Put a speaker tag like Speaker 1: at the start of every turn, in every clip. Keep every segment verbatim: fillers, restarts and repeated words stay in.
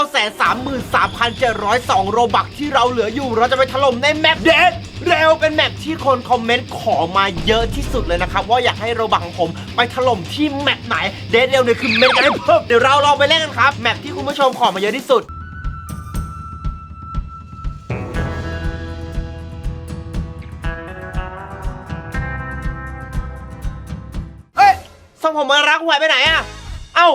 Speaker 1: าแสนสามหมื่นสามพันเจ็ดร้อยสอง โรบักที่เราเหลืออยู่เราจะไปถล่มในแมปเดดเร็วเป็นแมปที่คนคอมเมนต์ขอมาเยอะที่สุดเลยนะครับว่าอยากให้โรบักของผมไปถล่มที่แมปไหนเดดเร็วเนี่ยคือเมนกันให้เพิ่มเดี๋ยวเราลองไปเล่นกันครับแมปที่คุณผู้ชมขอมาเยอะที่สุดส่งผมมารักหวยไปไหนอะเอ้า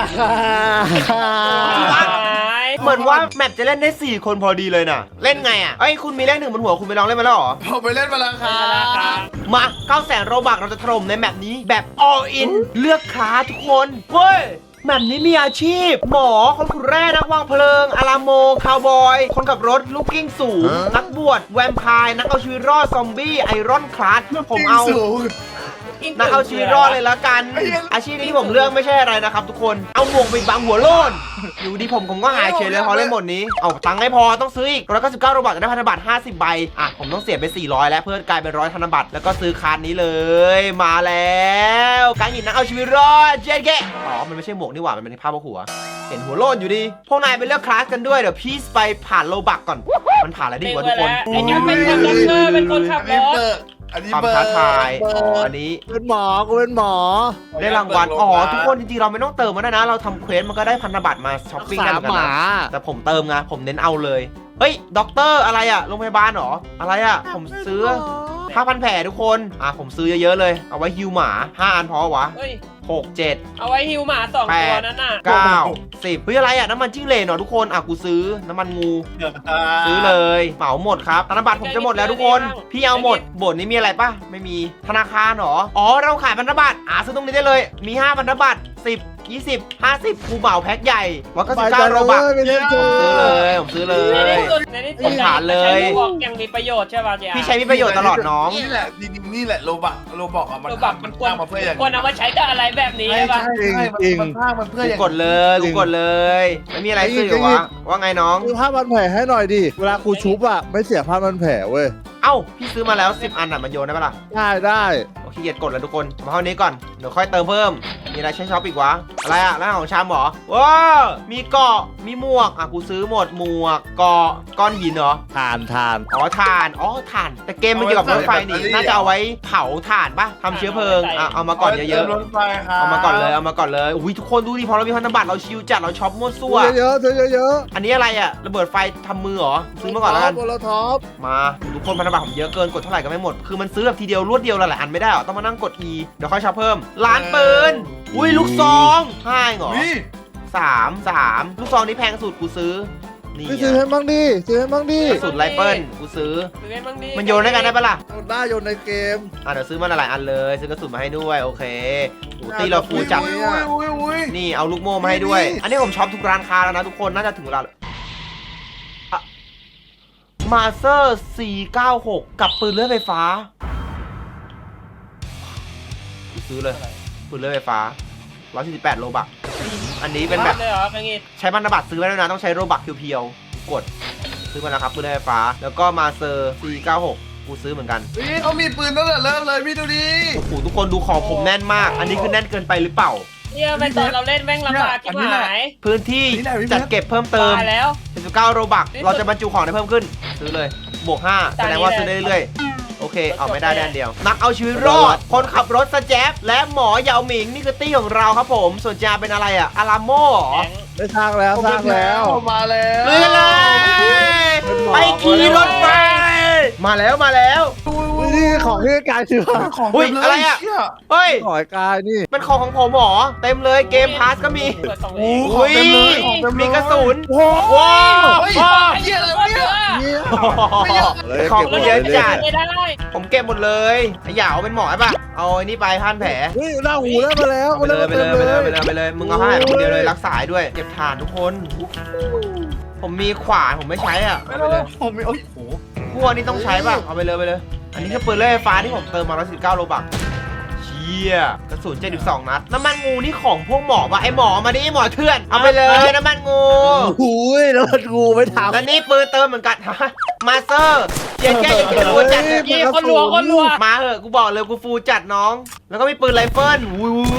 Speaker 1: เหมือนว่าแมปจะเล่นได้สี่คนพอดีเลยน่ะเล่นไงอะไอ้คุณมีเลขหนึ่งบนหัวคุณไปลองเล่นมาแล้วเหรอ
Speaker 2: ผมไปเล่นมาแล้วครับ
Speaker 1: มาเก้าแสนโรบักเราจะถล่มในแมปนี้แบบ all in เลือกคลาสทุกคนเฮ้ยแมปนี้มีอาชีพหมอคนขุดแร่นักวางเพลิงอาราโมคาวบอยคนขับรถลูกกิ้งสูงนักบวชแวมไพร์นักเอาชีวิตรอดซอมบี้ไอรอนคลาสผมเอานักเอาชีวิตรอดเลยละกันอาชีพที่ผมเลือกไม่ใช่อะไรนะครับทุกคนเอาหมวกไปบังหัวโล้นอยู่ดีผมผมก็หายเฉยเลยพอเล่นหมดนี้เอาตังค์ไม่พอต้องซื้ออีกแล้วก็สิบเก้าโรบักจะได้พันธบัตรห้าสิบใบอ่ะผมต้องเสียไปสี่ร้อยแล้วเพื่อกลายเป็นร้อยธนบัตรแล้วก็ซื้อคาร์ดนี้เลยมาแล้วการหินนักเอาชีวิตรอดเจ๊แกอ๋อมันไม่ใช่หมวกนี่หว่ามันเป็นผ้าบนหัวเห็นหัวโล้นอยู่ดีพวกนายไปเลือกคลาสกันด้วยเดี๋ยวพี่ไปผ่านโรบักก่อนมันผ่านอะไรดีวะทุกคน
Speaker 3: ไอ้นี่เป็นคนด็อกเตอร์เป็นคนขับรถ
Speaker 1: ความท้าทายอ๋ออันนี้
Speaker 4: เป็นหมอกูเป็นหมอ
Speaker 1: ได้รางวัลอ๋อทุกคนจริงๆเราไม่ต้องเติมมันนะเราทำเควสมันก็ได้พันธบัตรมาช้อปปิ้งได้เหมือนกันนะแต่ผมเติมไงผมเน้นเอาเลยเฮ้ยด็อกเตอร์อะไรอะโรงพยาบาลเหรออะไรอะผมซื้อห้าพันแผลทุกคนอ่ะผมซื้อเยอะๆเลยเอาไว้ฮิวหมาห้าอันพอวะหกเจ็ด
Speaker 3: เอาไว้ฮิวหมาสองตัวนั้นน่ะ
Speaker 1: เก้าสิบเฮ้ยอะไรอ่ะน้ำมันจิ้งเหลนเหรอทุกคนอ่ะกูซื้อน้ำมันงูซื้อเลยเหมาหมดครับธนบัตรผมจะหมดแล้วทุกคนพี่เอาหมดบทนี้มีอะไรป่ะไม่มีธนาคารเหรออ๋อเราขายพันธบัตรอ่ะซื้อตรงนี้ได้เลยมีห้าพันธบัตรสิบยี่สิบห้าสิบกูเหมาแพ็คใหญ่วัดก็สิบเก้าโรบักซื้อเลยผมซื้อเลยผมผ่านเลย
Speaker 3: ยังมีประโยชน์ใช่ป่ะเจ๊
Speaker 1: พี่ใช้มีประโยชน์ตลอดน้อง
Speaker 2: นี่แหละนี่แหละโรบักโรบักอ่ะมัน
Speaker 3: มันควรมาเพื่อควรเอามาใช้กับอะไรแบบนี้ใช่ป่ะ
Speaker 4: จริงจริง
Speaker 2: มันสร้างมันเพื่ออย่าง
Speaker 1: กดเลยกูกดเลยไม่มีอะไรซื้ออยู่วะว่าไงน้อง
Speaker 4: ซื้อผ้าพันแผลให้หน่อยดิเวลาครูชุบอ่ะไม่เสียผ้าพันแผลเว้ย
Speaker 1: เอ้าพี่ซื้อมาแล้วสิบอันอ่ะมันโยนได้ปะล่ะ
Speaker 4: ได้ได้
Speaker 1: โอเคเกียดกดแล้วทุกคนมาเท่านี้ก่อนเดี๋ยวค่อยเติมเพิ่มมีอะไรใช้ช็อปอีกวะอะไรอะร้านของชามหรอว้ามีเกาะมีหมวกอ่ะกูซื้อหมดหมวกเกาะก้อนหินเหรอ
Speaker 4: ทานทาน
Speaker 1: อ๋อทานอ๋อทานแต่เกมมันเกี่ยวกับรถไฟนี่น่าจะเอาไว้เผาถ่านปะทำเชื้อเพลิงอ่ะเอามาก่อนเยอะๆเอามาก่อนเลยเอามาก่อนเลยอุ้ยทุกคนดูดิพอเรามีพันธบัตรเราชิลจัดเราช็อปมั่วซั่ว
Speaker 4: เยอะๆเยอะ
Speaker 1: ๆอันนี้อะไรอะระเบิดไฟทำมือเหรอซื้อมาก่อนแล้วกัน
Speaker 4: โมโลท็อป
Speaker 1: มาทุกคนพันธบัตรผมเยอะเกินกดเท่าไหร่ก็ไม่หมดคือมันซื้อแบบทีเดียวรวดเดียวหลายอันไม่ได้หรอต้องมานั่งกด E เดี๋ยวค่อยช็อปเพิ่มล้านปืนอุ้ยลูกซองห้าเหรอสามสามลูกซองนี้แพงสุดกูซื้อนี่
Speaker 4: ซื้อให้มั่งดิซื้อให้มั่งดิ
Speaker 1: สุดไรเฟิลกูซื้อมันโยนได้กันได้ปะล่ะ
Speaker 4: โยนได้โยนในเกม
Speaker 1: อ่ะเดี๋ยวซื้อมาหลายอันเลยซื้อกระสุนมาให้ด้วยโอเคตีเราฟูจัดนี่เอาลูกโม่มาให้ด้วยอันนี้ผมช็อปทุกร้านค้าแล้วนะทุกคนน่าจะถึงเวลามาเซอร์สี่เก้าหกกับปืนเลื่อยไฟฟ้าซื้อเลยปืนเลื่อยไฟฟ้าหนึ่งร้อยสี่สิบแปดโลบักอันนี้เป็นแบบใช้พันธบัตรซื้อไว้แล้วนะต้องใช้โลบักเพียวๆกดซื้อมาแล้วครับปืนเลื่อยไฟฟ้าแล้วก็มาเซอร์สี่เก้าหกกูซื้อเหมือนกัน
Speaker 2: นี่เขามีปืนตั้งแต่เริ่มเลยพี่ดูดิ
Speaker 1: โอ้โหทุกคนดูของผมแน่นมากอันนี้คือแน่นเกินไปหรือเปล่า
Speaker 3: เนี่ยไปตอนเราเล่นแม่งลำบากที่หาย
Speaker 1: พื้นที่จัดเก็บเพิ่มเติม
Speaker 3: แล้ว
Speaker 1: สิบเก้าโลบักเราจะบรรจุของได้เพิ่มขึ้นซื้อเลยบวกห้าแสดงว่าซื้อได้เรื่อยโอเคเอาไม่ได้แดนเดียวนักเอาชีวิตรอดคนขับรถสแจ๊บและหมอเหยาหมิงนี่คือตี้ของเราครับผมส่วนจาเป็นอะไรอะอาราโม่
Speaker 4: ได้สร้างแล้วสร้างแล้ว
Speaker 2: มาแล้ว
Speaker 1: เลยเลยไปขี่รถไฟมาแล้วมาแล้ว
Speaker 4: นี่ของที่กายซื้อ
Speaker 2: ของ
Speaker 1: อะไรอะเฮ้ย
Speaker 4: ของกายนี่
Speaker 1: เป็นของของผมหรอเต็มเลยเกมพาสก็มี
Speaker 2: อุ้ย
Speaker 1: มีกระสุนว้าว
Speaker 2: เยอะเลยเนี่ย
Speaker 1: ของก็เยอะจัดผมเก็บหมดเลยอย่าเอาเป็นหมอใช่ปะเอาไอ้นี่ไปพันแผล
Speaker 4: เฮ้ยหน้าหูแล้วมาแล้ว
Speaker 1: ไปเลยไปเลยไปเลยไปเลยไปเลยมึงเอาผ้าคนเดียวเลยรักษาด้วยเก็บฐานทุกคนผมมีขวานผมไม่ใช้อ่ะเอาไปเลย
Speaker 2: ผมมีโอ้โห
Speaker 1: พวกนี้ต้องใช้ป่ะเอาไปเลยไปเลยอันนี้คือปืนเลื่อยไฟฟ้าที่ผมเติมมาร้อยสิบเก้าโลบักเชี่ยกระสุนเจ็ดสิบสองนัดน้ำมันงูนี่ของพวกหมอป่ะไอหมอมาดิหมอเถื่อนเอาไปเลยน้ำมันงู
Speaker 4: อุ้ยน้ำมันงูไม่ทำ
Speaker 1: แล้วนี่ปืนเติมเหมือนกันมาเซอร์เจ๊แก่ยังฟูจัด
Speaker 3: คนรัวคนรัว
Speaker 1: มาเหอะกูบอกเลยกูฟูจัดน้องแล้วก็มีปืนไรเฟิลอุ้ยเ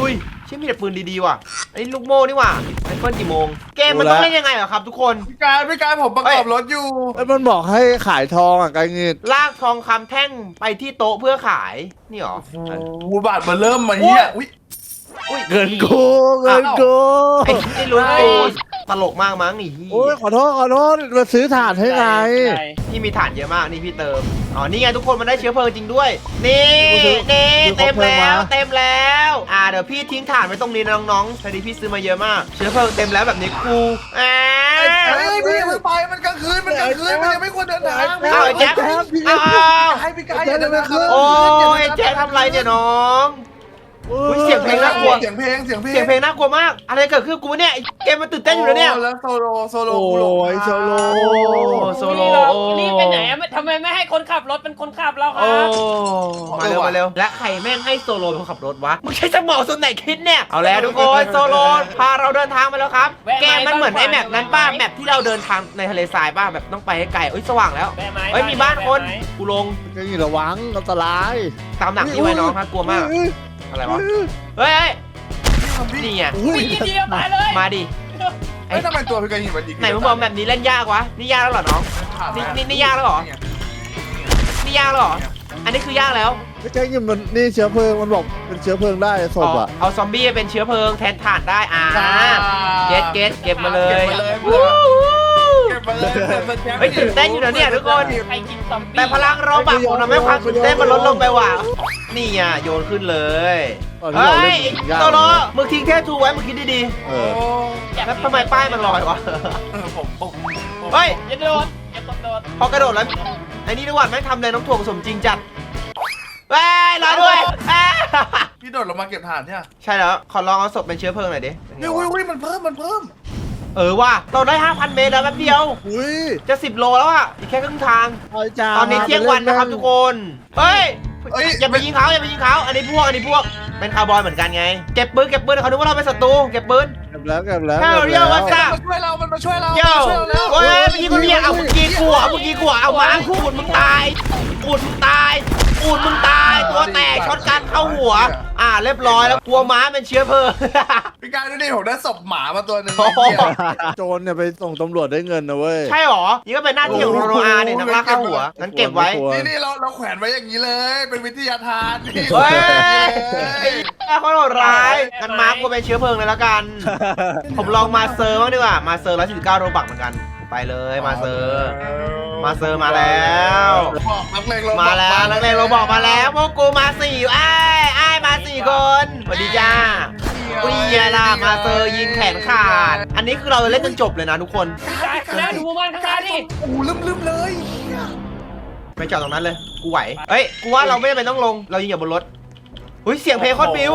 Speaker 1: ชื่อมีแต่ปืนดีๆว่ะอันนี้ลูกโม่นี่ว่ะไรเฟิลกี่โมงเกมมันต้องเล่นยังไงเหรอครับทุกคน
Speaker 2: พี่กายพี่กายผมประกอบรถอยู่
Speaker 4: แล้วมันบอกให้ขายทองอ่ะไกเงิน
Speaker 1: ลากทองคำแท่งไปที่โต๊ะเพื่อขายนี่หรอ
Speaker 2: หูบาทมาเริ่มมาเฮียอุ้ย
Speaker 1: อุ้ย
Speaker 4: เงินกูเงินกู
Speaker 1: ไอ้ที่ลุ้นกูตลกมากมั้งนี่
Speaker 4: โอ้ยขอโทษขอโทษมาซื้อถ่านให้ไง
Speaker 1: พี่มีถ่านเยอะมากนี่พี่เติมอ๋อนี่ไงทุกคนมันได้เชื้อเพลิงจริงด้วยนี่นี่เต็มแล้วเต็มแล้วอ่าเดี๋ยวพี่ทิ้งถ่านไว้ตรงนี้นะน้องๆพอดีพี่ซื้อมาเยอะมากเชื้อเพลิงเต็มแล้วแบบนี้กูอ่า
Speaker 2: เฮ้ยพี่อย่าเพิ่งไปมันกลางคืนมันกลางคืนมันยังไม่ควรเดินทาง
Speaker 1: เอาไอ้แจ๊คเอา
Speaker 2: ให้พี่กายอย่าเดินทาง
Speaker 1: โอ้ยแจ๊คทำไรเนี่ยน้องอุ้ยเสียงเพลงน่ากลัว
Speaker 2: เสียงเพลงเสียงเพลง
Speaker 1: เสียงเพลงน่ากลัวมากอะไรเกิดขึ้นกูเนี่ยเกมมันตื่นเต้นอยู่แล้วเนี่ย
Speaker 2: แล้วโซโลโซโล
Speaker 4: โอ้
Speaker 2: กูหลง
Speaker 4: ยโซโล
Speaker 1: โซโล
Speaker 3: นี่ไปไหนอะทำไมไม่ให้คนขับรถเป็นคนขับเราค
Speaker 1: โอ้
Speaker 3: รับ
Speaker 1: มาเร็วมาเร็วและใครแม่งให้โซโลเป็นคนขับรถวะมึงใช้สมองส่วนไหนคิดเนี่ยเอาแล้วทุกคนโซโลพาเราเดินทางมาแล้วครับเกมมันเหมือนไอ้แมปนั้นป้าแมปที่เราเดินทางในทะเลทรายป้าแบบต้องไปให้ไกลเอ้ยสว่างแล้ว
Speaker 3: แบไม้
Speaker 1: เอ้ยมีบ้านคนกูลง
Speaker 4: ไกเงินระวังอันตราย
Speaker 1: ตามหนังที่ไว้น้องครับกลัวมากอะไรวะเฮ้ยนี่ไง
Speaker 4: อุ้ย
Speaker 3: วิ่งเดียวตายเลย
Speaker 1: มาดิ
Speaker 2: เฮ้ยทำไมตัวพี่กายหินมันยิง
Speaker 1: ไหนมึงบอกแบบนี้เล่นยากวะนี่ยากแล้วเหรอน้องนี่นี่นี่ยากแล้วเหรอนี่ยากแล้วเหรออันนี้คือยากแล้ว
Speaker 4: ไกเงินมันนี่เชื้อเพลิงมันบอกเป็นเชื้อเพลิงได้ศพอ่ะ
Speaker 1: เอาซอมบี้เป็นเชื้อเพลิงแทนถ่านได้อ่าเก็ตเก็ตเก็บมาเลย
Speaker 2: เก็บมาเลยเก็บมาเลย
Speaker 1: เฮ้ยตื่นเต้นอยู่นะเนี่ยทุกคน
Speaker 3: ใครกินซอมบี้
Speaker 1: แต่พลังเราบักผมทำให้ความตื่นเต้นมันลดลงไปว่ะนี่อ่ะโยนขึ้นเลยเฮ้ยโตโร่มึงทิ้งเทพทูไว้มึงคิดดี
Speaker 4: เอ
Speaker 2: โอ้
Speaker 4: อ
Speaker 1: ๆแล้วทำไมป้ายมันลอยวะ
Speaker 2: เออผมผม
Speaker 1: เฮ้ย
Speaker 3: อย่าโดดอย่าตกโดด
Speaker 1: พอกระโดดแล้วไอ้นี่ด้วยแม่งทำเลยน้ำถ่วงสมจริงจัดเว้ยรอด้วยเอ้ย
Speaker 2: พี่โดดลงมาเก็บถ่านเนี่ย
Speaker 1: ใช่แล้วขอลองเอาศพเป็นเชื้อเพลิงหน่อยดิ
Speaker 2: นี่อุ้ยอุ้ยมันเพิ่มมันเพิ่ม
Speaker 1: เออว่ะเราได้ ห้าพัน เมตรแล้วแป๊บเดียว
Speaker 4: อุ้ย
Speaker 1: จะสิบโลแล้วอ่ะอีกแค่ครึ่งทาง
Speaker 4: ไอ้จ้า
Speaker 1: ตอนนี้เที่ยงวันนะครับทุกคน เฮ้ย
Speaker 2: เอ้ย
Speaker 1: อย่าไปยิงเขาอย่าไปยิงเขาอันนี้พวก อันนี้พวก เป็นคาร์บอยเหมือนกันไง เก็บปืน เก็บปืนเขาคิดว่าเราเป็นศัตรู เก็บปืน
Speaker 4: เก็บแล้วเก็บแล้ว
Speaker 1: เฮ้ย
Speaker 4: เก็บ
Speaker 1: เรียกว่า
Speaker 4: แล้ว
Speaker 1: จ้า
Speaker 2: มันมาช่วยเรา มันมาช่วยเรา
Speaker 1: โย่
Speaker 2: มันมาช่วยเราแล้ว
Speaker 1: โอ้ยเมื่อกี้คนเรียกเอาเมื่อกี้กลัวเมื่อกี้กลัวเอามาขูดมึงตายขูดมึงตายขูดมึงตาย ตัวแตกช็อตกันเข้าหัว อ่า เรียบร้อยแล้ว กลัวม้าเป็นเชื้อเพลิง
Speaker 2: พี่กายดูดิผมได้ศพหมามาตัวหนึ่ง
Speaker 1: โอ้โห
Speaker 4: โจรเนี่ยไปส่งตำรวจได้เงินนะเว้ย
Speaker 1: ใช่หรอ นี่ก็เป็นหน้าที่ของโรอาเนี่ยนักล่าข้าหัว งั้นเก็บไว้
Speaker 2: นี่นี่เราเราแขวนไว้อย่างนี้เลย เป็นวิทยาทานนี่
Speaker 1: เฮ้ย
Speaker 2: เฮ้ย
Speaker 1: ไอ้คนโหดร้ายกันมาร์กกูเป็นเชื้อเพลิงเลยแล้วกัน ผมลองมาเซอร์บ้างดีกว่า มาเซอร์ร้อยสี่สิบเก้าโรบักเหมือนกัน ไปเลยมาเซอร์ มาเซอร์มาแล้ว
Speaker 2: บอกนักเลงเรา
Speaker 1: มา
Speaker 2: มา
Speaker 1: แล้วนักเรียนเราบอกมาแล้วพวกกูมาสี่ไอ้ไอ้ายมาสี่คนสวัสดีจ้าอุ้ยเหี้ยล่ะมาเซอร์ยิงแขนขาด อันนี้คือเราเล่นจนจบเลยนะทุกคน
Speaker 3: ได้ได้ดูมันข้างหน้าดิ
Speaker 2: โอ้โหลืมลืมเลย
Speaker 1: ไปจอดตรงนั้นเลย กูไหว เฮ้ย กูว่าเราไม่จำเป็นต้องลง เรายิงอยู่บนรถอุ้ยเสียงเพลงโคตรปิ้ว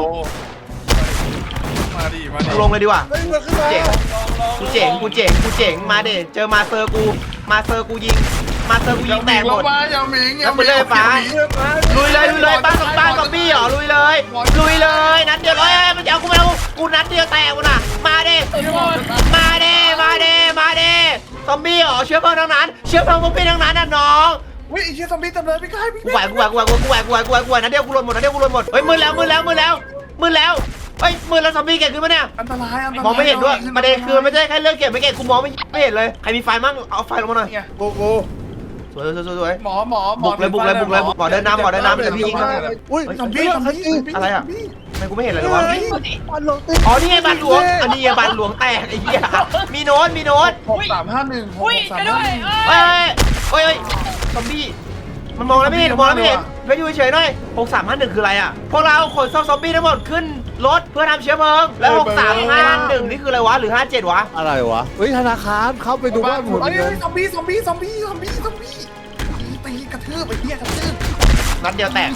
Speaker 2: มาดิมาดิ
Speaker 1: กูลงเลยดีกว่า
Speaker 4: เฮ้ยมันขึ้นมา
Speaker 1: เจ๋ง กูเจ๋ง กูเจ๋ง กูเจ๋ง มาเด็เจอมาเซอร์กู มาเซอร์กูยิง มาเซอร์กูยิงแตกหมด
Speaker 2: มาอย่าหมิงอย่า
Speaker 1: แล้วไปเลยฟ้า ลุยเลยลุยเลยบ้านกับบ้านกับบี้เหรอลุยเลยลุยเลยนัดเดียวเอ้ยมันจะเอากูไปเอากูนัดเดียวแตกกูน่ะมาเด้มาเด้มาเด้มาเด้ซอมบี้เหรอเชื้อเพลิงทั้งนั้นเชื้อเพลิงพวกพี่ทั้งนั้นน่ะน้อง
Speaker 2: อุ้ยไอ้เชี่ยซอมบี้เต็มเลยพี่กายพี่
Speaker 1: กูไหวกูไหวกูไหวกูไหวกูไหวกูไหวกูไหวนัดเดียวกูหล่นหมดนัดเดียวกูหล่นหมดเฮ้ยมือแล้วมือแล้วมือแล้วมือแล้วเฮ้ยมือแล้วซอมบี้เก่งขึ้นปะเนี่ย
Speaker 2: อันตรายอันตราย
Speaker 1: มองไม่เห็นด้วยประเด็นคือไม่ใช่แค่เรื่องเก็บไม่เก่งกูมองไม่ไม่เห็นเลยใครมีไฟมั่งเอาไฟลงมาหน่อย
Speaker 4: โอ้โห
Speaker 1: สวยสวยสวยสวย
Speaker 2: หมอหมอหมอ
Speaker 1: บุกเลยบุกเลยบุกเลยหมอเดินนำหมอเดินนำเดี๋ยวพี่ยิง
Speaker 4: อุ้ย
Speaker 2: ซอมบี้ซอมบี้
Speaker 1: อะไรอะ ทำไมกูไม่เห็นอะไรเลยวะ
Speaker 4: มันลงติด
Speaker 1: อ๋อ นี่ไงบัตรหลวง อันนี้ไงบัตรหลวงแตกไอ้เหี้ย มีโน้ต มีโน้ต
Speaker 2: หกสามห้าหนึ่ง
Speaker 3: อุ้ยไปด้วย
Speaker 1: เอ้ยเอ้ยเอ้ยซอมบี้ มันมองแล้วไม่เห็น มองแล้วไม่เห็นไปอยู่เฉยๆหน่อยหกสามห้าหนึ่งคืออะไรอ่ะ พวกเราขนซอมบี้ทั้งหมดขึ้นรถเพื่อทำเชื้อเพลิง แล้วหกสามห้าหนึ่งนี่คืออะไรวะ หรือห้าเจ็ดวะ
Speaker 4: อะไรวะเฮ้ยธนาคารเข้าไปดูบ้านหมด
Speaker 2: เฮ้ย
Speaker 4: เงิน
Speaker 2: ซอมบี้ซอมบี้ซอมบี้ซอมบี้ซอมบี้ตีกระทืบไอ้เหี้ยกระทืบ
Speaker 1: นัดเดียวแตก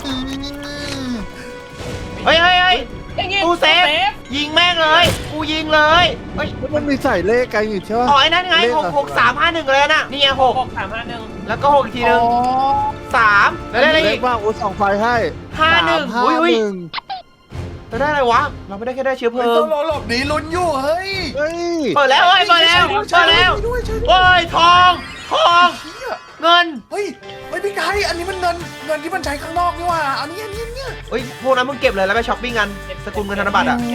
Speaker 1: เฮ้ยเฮ้ยเฮ้ย
Speaker 3: อย่างงี้
Speaker 1: กูเซฟ ยิงแม่งเลย กูยิงเลยเฮ้ย
Speaker 4: แล้วมันมีใส่เลขกันอยู่ใช่ปะ
Speaker 1: อ๋อไอ้นั่นไงหกหกสามห้าหนึ่งเลยน่ะ นี่ไงหก
Speaker 3: หกสามห้าหนึ่ง
Speaker 1: แล้วก็หกอีกทีนึงสามแล้วได้อะไร
Speaker 4: เล
Speaker 1: อี
Speaker 4: ข
Speaker 1: ก
Speaker 4: ว่าอุ้ยสองไฟให้
Speaker 1: ห้าหนึ่ง
Speaker 4: สาม
Speaker 1: อุ้ยอุ้ย
Speaker 4: ห้าหนึ่ง
Speaker 1: เราได้อะไรวะ เราไม่ได้แค่ได้เชื้อเพ
Speaker 2: เฮ้ย
Speaker 1: ลิ
Speaker 2: ต้อง งหลบหนีลุ้นอยู่เฮ้ย
Speaker 4: เฮ้ย
Speaker 1: เปิดแล้วเฮ้ยเปิดแล้วเปิดแล้ว
Speaker 2: ด้วยช่วยด้วย
Speaker 1: โอ้ยทองทองเงิน
Speaker 2: เฮ้ยเฮ้ยพี่ไก่อันนี้มันเงินเงินที่มันใช้ข้างนอกนี่หว่าอันนี้อันนี้เนี่ย
Speaker 1: เฮ้ยพวกนั้นมึงเก็บเลยแล้วไปช้อปปิ้งกันสกุลเงินธนบัตรอ่ะ
Speaker 2: อืม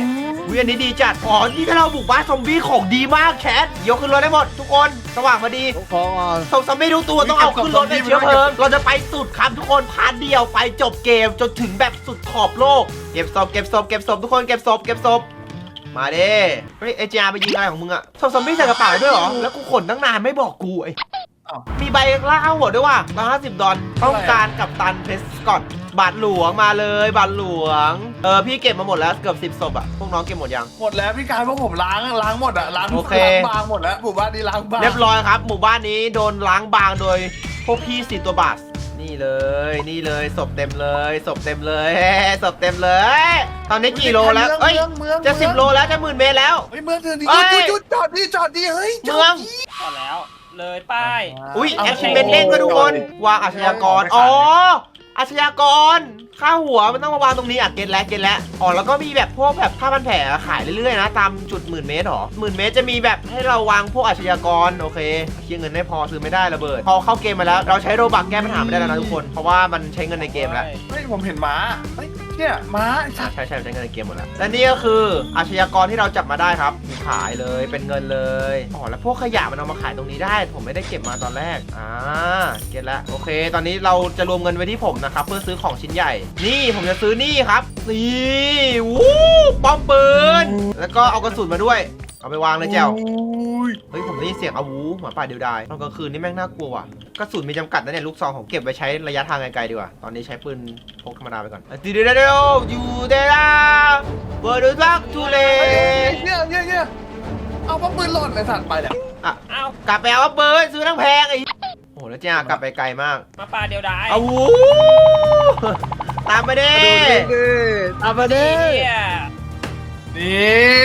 Speaker 1: วิอันนี้ดีจัดอ๋อนี่ถ้าเราบุกบ้านซอมบี้ของดีมากแคทยกขึ้นรถได้หมดทุกคนสว่างพอดี
Speaker 4: ของอ่อน
Speaker 1: ส่งซอมบี้ทุกตัวต้องเอาขึ้นรถเป็นเชื้อเพลิงเราจะไปสุดครับทุกคนพาร์ทเดียวไปจบเกมจนถึงแบบสุดขอบโลกเก็บศพเก็บศพเก็บศพทุกคนเก็บศพเก็บศพมาเด้เฮ้ยเอจีอาร์ไปยิงอะไรของมึงอะส่งซอมบี้ใส่กระเป๋าด้วยเหรอแล้วกูขนตั้งนานไม่บอกกูไอ้มีใบล่าข้าวหัวด้วยว่ะร้อยห้าสิบดอลต้องการกับตันเพสกอตบาทหลวงมาเลยบาทหลวงเออพี่เก็บมาหมดแล้วเกือบสิบศพอะพวกน้องเก็บหมดยัง
Speaker 2: หมดแล้วพี่กายพวกผมล้างล้างหมดอะล้าง
Speaker 1: โอเค
Speaker 2: ล้างบางหมดแล้วหมู่บ้านนี้ล้างบาง
Speaker 1: เรียบร้อยครับหมู่บ้านนี้โดนล้างบางโดยพวกพี่สี่ตัวบาสนี่เลยนี่เลยศพเต็มเลยศพเต็มเลยศพเต็มเลย ตอนนี้กี่โลแล้วเอ้ย
Speaker 2: เมืองเมือง
Speaker 1: จะสิบโลแล้วจะหมื่นเมตรแล้ว
Speaker 2: เฮ้ยเมืองเถื่อนดิ
Speaker 1: เอ้
Speaker 2: หยุ
Speaker 1: ย
Speaker 2: ดหยุดจอดดิจอดดิเฮ้ยจ
Speaker 1: เมื
Speaker 2: อ
Speaker 1: อ
Speaker 2: ด
Speaker 1: ง
Speaker 2: ดิ
Speaker 3: พอแล้วเลยป้าย
Speaker 1: อุ้ย
Speaker 2: เอา
Speaker 1: แอคชั่นเบนเด้งก็ทุกคนวางอาชญากรอ๋ออาชญากรค่าหัวมันต้องมาวางตรงนี้อ่ะเก็ตแล้วเก็ตแล้วอ๋อแล้วก็มีแบบพวกแบบผ้าพันแผลขายเรื่อยๆนะตามจุดหมื่นเมตรหรอหมื่นเมตรจะมีแบบให้เราวางพวกอาชญากรโอเคเคลียร์เงินไม่พอซื้อไม่ได้ระเบิดพอเข้าเกมมาแล้วเราใช้โรบักแก้ปัญหาไม่ได้แล้วนะทุกคนเพราะว่ามันใช้เงินในเกมแล้ว
Speaker 2: เฮ้ยผมเห็นม้าเฮ้ยเนี่ยม้าไอ้สัตว์
Speaker 1: ใช่ใช่ใช้เงินในเกมหมดแล้วและนี่ก็คืออาชญากรที่เราจับมาได้ครับมีขายเลยเป็นเงินเลยอ๋อแล้วพวกขยะมันเอามาขายตรงนี้ได้ ผมไม่ได้เก็บมาตอนแรกอ่าเก็ตแล้วโอเค ตอนนี้เราจะรวมเงินไว้ที่ผมนะครับเพื่อซื้อของชิ้นใหญ่นี่ผมจะซื้อนี่ครับนี่วู้ป้อมปืนแล้วก็เอากระสุนมาด้วยเอาไปวางเลยแจว
Speaker 2: อุ้ย
Speaker 1: เฮ้ยผมได้ยินเสียงอาวูหมาป่าเดียวดายตอนกลางคืนนี่แม่งน่ากลัวว่ะกระสุนมีจำกัดนะเนี่ยลูกซองผมเก็บไว้ใช้ระยะทางไกลๆดีกว่าตอนนี้ใช้ปืนพกธรรมดาไปก่อนตีเดียวเดียวอยู่เดล่าเบอร์ดูซักทูเล
Speaker 2: เนี่ยเนี่ยเนี่ยเอาป้อมปืนหล่นไอ้สัตว์ไปแล้ว
Speaker 1: อ่ะ
Speaker 3: เอา
Speaker 1: กลับไปเอาปืนซื้อทั้งแพงไอ้โอ้โหแล้วจ้ากลับไปไกลมาก
Speaker 3: มาปลาเดียวดาย
Speaker 1: อาวูตามไปดิ
Speaker 4: ดูดิตามมาดิ
Speaker 3: เนี่ย
Speaker 2: นี่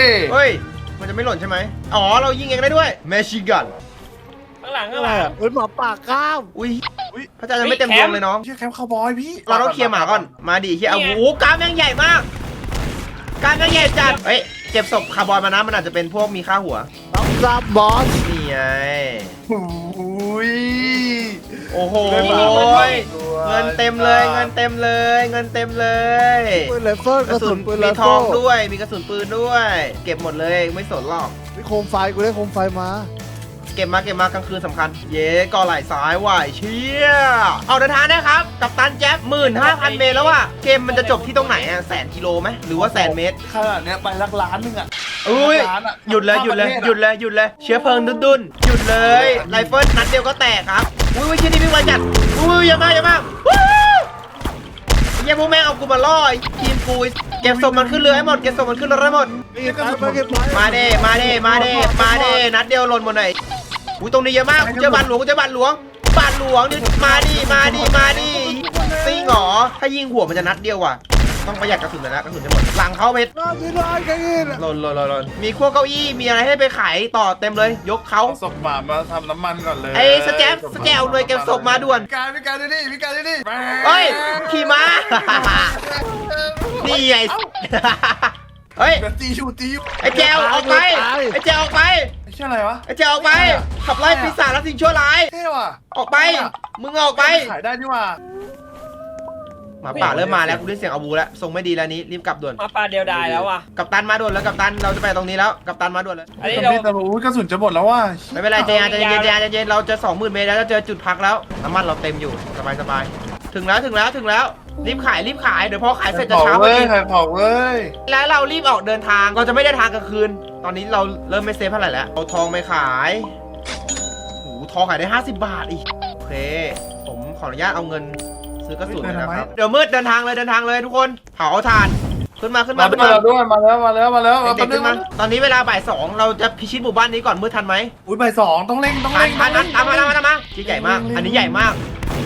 Speaker 1: เฮ้ยมันจะไม่หล่นใช่ไหมอ๋อเรายิงเองได้ด้วยแมชชีกัน
Speaker 3: ข้างหลัง
Speaker 4: อะ
Speaker 3: ข้าง
Speaker 4: ไร
Speaker 3: หลัง
Speaker 4: อ่ะเฮ้ยหมาป่าก้าม
Speaker 1: อุ้ยพระเจ้ายังไม่เต็มดวงเลยน้อง
Speaker 2: เชี่ยแคมป์คาวบอยพี่
Speaker 1: เราต้องเคลียร์หมาก่อน มาดิเฮียเอาโอ้โหกล้ามแม่งใหญ่มาก กล้ามแม่งใหญ่จัด เฮ้ย เก็บศพคาร์บอยมานะ มันอาจจะเป็นพวกมีค่าหัว
Speaker 4: ต้องซับบอส
Speaker 1: นี่ไง
Speaker 2: อุ้ย
Speaker 1: โอ้โห
Speaker 2: ด้วย
Speaker 1: เงินเต็มเลย เงินเต็มเลย เงินเต็มเลย
Speaker 4: ปืนไรเฟิล
Speaker 1: ก
Speaker 4: ก
Speaker 1: ระ
Speaker 4: ระ
Speaker 1: สุ
Speaker 4: สุ
Speaker 1: น
Speaker 4: นปืนไร
Speaker 1: มีท
Speaker 4: เฟิ
Speaker 1: อง
Speaker 4: ล
Speaker 1: ด้วย มีกระสุนปืนด้วย เก็บหมดเลย ไม่สนหรอก
Speaker 4: มีโคมไฟกูได้โคมไฟมา
Speaker 1: เก็บมาเก็บมากลางคืนสำคัญ เย้ก่อไหล่ซ้ายว่ะเชี่ยเอาเดินทางนะครับ กับตันแจ๊บหมื่นห้าพันเมตรแล้วว่ะ เกมมันจะจบที่ตรงไหนอะแสนกิโลไหมหรือว่าแสนเมตร
Speaker 2: ขนาดเนี้ยไปลักล้านหนึงอะ
Speaker 1: อุ้ย
Speaker 2: ล้านอะ
Speaker 1: หยุดเลยหยุดเลยหยุดเลยหยุดเลยเชื้อเพลิงดุนดุนหยุดเลยไรเฟิลนัดเดียวก็แตกครับอุ้ยอุ้ยเชี่ยนี่วิ่งไวจัดอุ้ยอย่ามาอย่ามาวู้ไอ้เหี้ยพวกแม่งเอากูมาล่อไอ้ทีมกูเก็บศพมันขึ้นเรือให้หมดเก็บศพมันขึ้นเรือให้หมด
Speaker 4: เก็บไปเก็บไป
Speaker 1: มาเด้มาเด้มาเด้มาเด้นัดเดียวหล่นหมดเลยอุ้ยตรงนี้เยอะมากกูเจอบานหลวงกูเจอบานหลวงบานหลวงนี่มาดิมาดิมาดิซิงเหรอถ้ายิงหัวมันจะนัดเดียวว่ะต้องประหยัดกระสุนหน่อยนะกระสุนจะหมดหลังเขาเม็ด
Speaker 4: รอบนี้ร้อยกันอีก
Speaker 1: หล่นหล่นหล่นหล่นมีขั้วเก้าอี้ มีอะไรให้ไปขายต่อเต็มเลย ยกเขา
Speaker 2: เอาศพหมามาทำน้ำมันก่อนเลย
Speaker 1: ไอ้สแจมสแกลหน่วยเก็บศพมาด่วน
Speaker 2: พี่กายพี่กายดูนี่พี่กายดูนี่
Speaker 1: เฮ้ย ขี่ม้า นี่ไง เฮ้ย
Speaker 2: เดี๋ยวตีอยู่ตีอยู่
Speaker 1: ไอ้แจวออกไป ไอ้แจวออกไป
Speaker 2: ไอ้เชี่ยอะไรวะ
Speaker 1: ไอ้แจวออกไป ขับไล่ปีศาจและสิ่งชั่วร้าย
Speaker 2: เท่ว่ะ
Speaker 1: ออกไป มึงออกไป
Speaker 2: ขายได้นี่ว่ะ
Speaker 1: หมาป่าเริ่มมาแล้วกูได้เสียงอาวูแล้วทรงไม่ดีแล้วนี้รีบกลับด่วน
Speaker 3: มาปลาเดียวดายแล้วว่ะ
Speaker 1: กัปตันมาด่วนแล้วกัปตัน เราจะไปตรงนี้แล้ว กัปตันมาด่วนเลย
Speaker 3: อันนี้
Speaker 2: ซอม
Speaker 3: เรา
Speaker 2: บี้แต่รู้กระสุนจะหมดแล้วว่ะ
Speaker 1: ไม่เป็นไรใจเย็นใจเย็นใจเย็นใจเย็นเราจะสองหมื่นเมตรแล้วจะเจอจุดพักแล้ว น้ำมันเราเต็มอยู่ สบายสบายถึงแล้วถึงแล้วถึงแล้ว รีบขายรีบขาย เดี๋ยวพอขายเสร็จจะ
Speaker 2: เผา
Speaker 1: เช้าพอ
Speaker 2: เว้ย
Speaker 1: ดี
Speaker 2: ขายเผาเว้ย
Speaker 1: แล้วเรารีบออกเดินทาง เราจะไม่ได้ทางกลางคืน ตอนนี้เราเริ่มไม่เซฟเท่าไหร่แล้ว เอาทองไปขายโอ้โหทองขายได้ห้าสิบบาทอีก โอเค ผมขออนุญาตเอาเงินซื้อกระสุนเลยนะครับ เดี๋ยวมืดเดินทางเลยเดินทางเลยทุกคน เผาถ่าน ขึ้นมาขึ้นมา
Speaker 2: มา
Speaker 1: ขึ้น
Speaker 2: ด้ว
Speaker 1: มาย
Speaker 2: ด้วยมาแล้วมาแล้วมาแล้ว
Speaker 1: เด็กๆขึ้นมาตอนนี้เวลาบ่ายสองเราจะพิชิตหมู่บ้านนี้ก่อนมืดทันไหม
Speaker 2: อุ้ยใบสองต้องเร่งต้อง
Speaker 1: ทัน
Speaker 2: เร่ง
Speaker 1: ทันทันตามมาตามมาตามมาชิ้นใหญ่มาก อันนี้ใหญ่มาก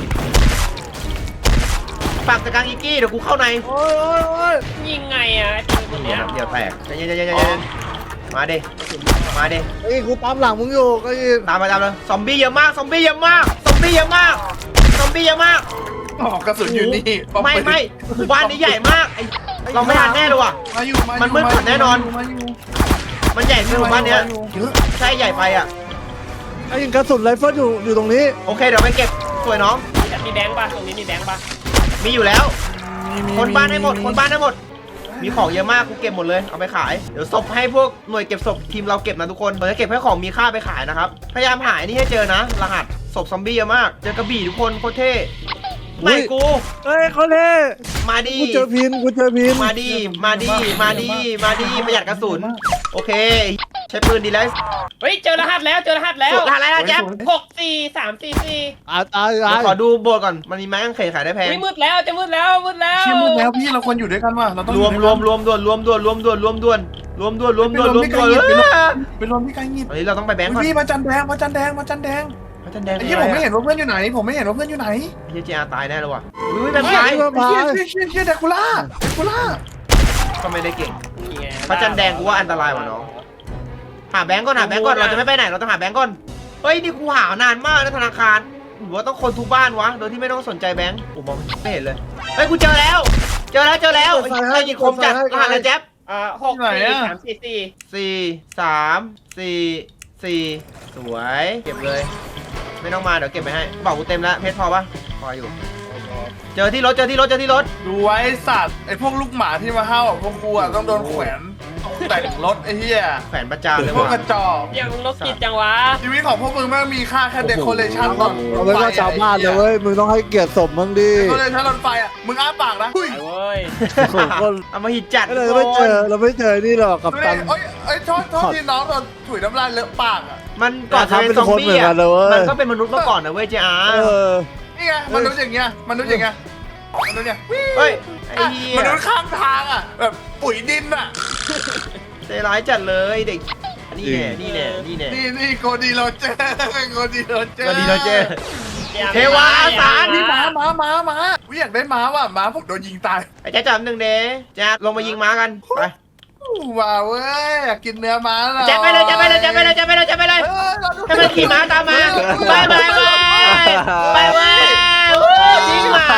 Speaker 1: ฝากจัดการอีกกี้เดี๋ยวกูเข้าใน
Speaker 4: โอ้ยโอ้ยโอ้ย
Speaker 3: ยิงไงอ่ะไอ้ปืนตัว
Speaker 1: เดี๋
Speaker 3: เนี้
Speaker 1: ยวย เดี๋ยวแตกใจเย็นใจเย็นใจเย็นมาดิมาดิ
Speaker 4: ไอ้กูตามหลังมึงอยู่ก็อีก
Speaker 1: ตามไปตามเลยซอมบี้เยอะมากซอมบี้เยอะมากซอมบี้เยอะมากซอมบี้เยอะมาก
Speaker 2: อ๋อกระสุนอยู่นี่
Speaker 1: ไม่ไม่หมู่บ้านนี้ใหญ่มากไอเราไม่ทันแน่เลยว่ะ
Speaker 2: มาอยู่าอยู่
Speaker 1: มันมืดกว่าแน่นอน
Speaker 2: มาอยู่
Speaker 1: มันใหญ่ขึ้นหมู่บ้านเนี้ย
Speaker 2: เยอะ
Speaker 1: ใช่ใหญ่ไปอ่ะ
Speaker 4: ไอ้ยิงกระสุนไรเฟิลอยู่อยู่ตรงนี้
Speaker 1: โอเคเดี๋ยวไปเก็บสวยน้อง
Speaker 3: มีแบงค์ป่ะตรงนี้มีแบงค์ป่ะ
Speaker 1: มีอยู่แล้ว คนบ้านให้หมดคนบ้านให้หมดมีของเยอะมากกูเก็บหมดเลยเอาไปขายเดี๋ยวศพให้พวกหน่วยเก็บศพทีมเราเก็บนะทุกคนเราจะเก็บให้ของมีค่าไปขายนะครับพยายามหาไอ้นี่ให้เจอนะรหัสศพซอมบี้เยอะมากเจอกระบี่ทุกคนโคตรเท่ไม่กู
Speaker 4: เฮ้ยเขาเท่
Speaker 1: มาดี
Speaker 4: กูเจอพินกูเจอพิน
Speaker 1: มาดีมาดีมาดีมาดีประหยัดกระสุนโอเคใช้ปืนดีแล้ว
Speaker 3: เฮ้ยเจอรหัสแล้วเจอรหัสแล้ว
Speaker 1: สุดท้ายแล้วนะแจ๊บ
Speaker 3: หกสี่สามสี่สี่
Speaker 4: อ่าตาย
Speaker 1: เดี๋
Speaker 4: ตาย
Speaker 1: ยวขอดูโบสถ์ก่อนมันมีไม้กางเขนขายได้แพง
Speaker 3: ไม่มืดแล้วจะมืดแล้วมืดแล้ว
Speaker 2: เชี่ยมึงแล้วพี่เราควรอยู่ด้วยกันว่ะเราต้อง
Speaker 1: รวมรวมรวมด่วนรวมด่วนรวมด่วนรวมด่วนรวมด่วนรวมด่วนรวมด่วน
Speaker 2: เป็นรวมที่ไกลงิด
Speaker 1: ตอนนี้เราต้องไปแบงก์ก่อน
Speaker 2: พี่มาจันแดงมาจันแดงมาจันแดง
Speaker 1: พระจันทร์แดง
Speaker 2: ไอ้ที่ผมไม่เห็นว่าเพื่อนอยู่ไหน ผมไม่เห็นว่าเพื่อนอยู่ไหน
Speaker 1: เฮียเจอาตายแน่เลยว่ะอุ้ยแบบ
Speaker 2: เฮ้ย
Speaker 1: ตาย
Speaker 2: เชี่ยเชี่ยเชี่ยเชี่ยเดกูล่าเดกูล่า
Speaker 1: ก็ไม่ได้เก่ง
Speaker 3: นี่ไง
Speaker 1: พระจันทร์แดงกูว่าอันตรายว่ะน้องหาแบงก์ก่อนหาแบงก์ก่อนเราจะไม่ไปไหนเราต้องหาแบงก์ก่อนเฮ้ยนี่กูหานานมากนะธนาคารหรือว่าต้องคนทุกบ้านวะโดยที่ไม่ต้องสนใจแบงก์กูมองไม่เห็นเลยเฮ้ยกูเจอแล้ว เจอแล้วเจอแล้วไอ้ยิงคมจัดรหัสอะไรแจ๊บ
Speaker 3: อ่าหกสี่สามสี่สี่
Speaker 1: สี่สามสี่สี่สวยเก็บเลย ไม่ต้องมาเดี๋ยวเก็บไปให้บอกกูเต็มแล้วเพชรพอปะพออยู่ เจอที่รถเจอที่รถเจอที่รถ
Speaker 2: ดูไว้สัตว์ไอ้พวกลูกหมาที่มาเห่าพวกกูอ่ะต้องโดนแขวนแต่งรถไอ้เหี้ย
Speaker 1: แขวนประจานเลย
Speaker 2: พวก
Speaker 1: ว่ะ
Speaker 2: กระจอก
Speaker 3: ยังลบกิจจังวะ
Speaker 2: ชีวิตของพวกมึงแม่งมีค่าแค่เดคอเรชั่นรถ
Speaker 4: เราไม่ว่าชาวบ้านเลยเว้ยมึงต้องให้เกียรติศพมึงดิ
Speaker 2: เดคอเรชั่นรถไฟอ่ะมึงอ้าปากนะ
Speaker 3: ไปเว้ย
Speaker 4: คน
Speaker 1: เอามาหิดจัด
Speaker 4: เราไม่เจอเราไม่เจอนี่หรอกกับ
Speaker 2: ดู
Speaker 4: ตั
Speaker 2: ดิ
Speaker 4: น
Speaker 2: เอ้ยเอ้ยโทษโทษที่น้องโดนถุยน้ำลายเลอะปากอ่ะ
Speaker 1: มันก่อนจะเป็นซอมบี้อ่ะมันก็เป็นมนุษย์มาก่อนนะเว้ยเจ้า
Speaker 4: เออ
Speaker 2: นี่ไงมนุษย์อย่างเงี้ยมนุษย์อย่างเงี้ยมนุษย์เนี่ย
Speaker 1: เฮ้ยไอ้เหี้ย
Speaker 2: มนุษย์ข้างทางอ่ะแบบปุ๋ยดินอ่ะ
Speaker 1: ใจร้ายจัดเลยเด็กนี่แน่นี่แน่นี่แน่
Speaker 2: นี่นี่โกดีโรเจอร์โกดีโรเจอร์
Speaker 1: ก็ดีแล้วเจ้เทวาอาสา
Speaker 2: นี่ม้าม้าม้าม้าวิอยากได้ม้าว่ะม้าผมโดนยิงตาย
Speaker 1: ไอ้แจ๊จับหนึ่งเด้แจ๊ลงมายิงม้ากันไป
Speaker 2: ว้าวเว้ยอยากกินเนื้อม้าหน่อย
Speaker 1: แจ๊ไปเลยแจ๊ไปเลยแจ๊ไปเลยแจ๊ไปเลยแจ๊ไปเลย
Speaker 2: เออเราดู
Speaker 1: ให้มันขี่ม้าตามมาไปไปไปไปเว้ยยิงหมา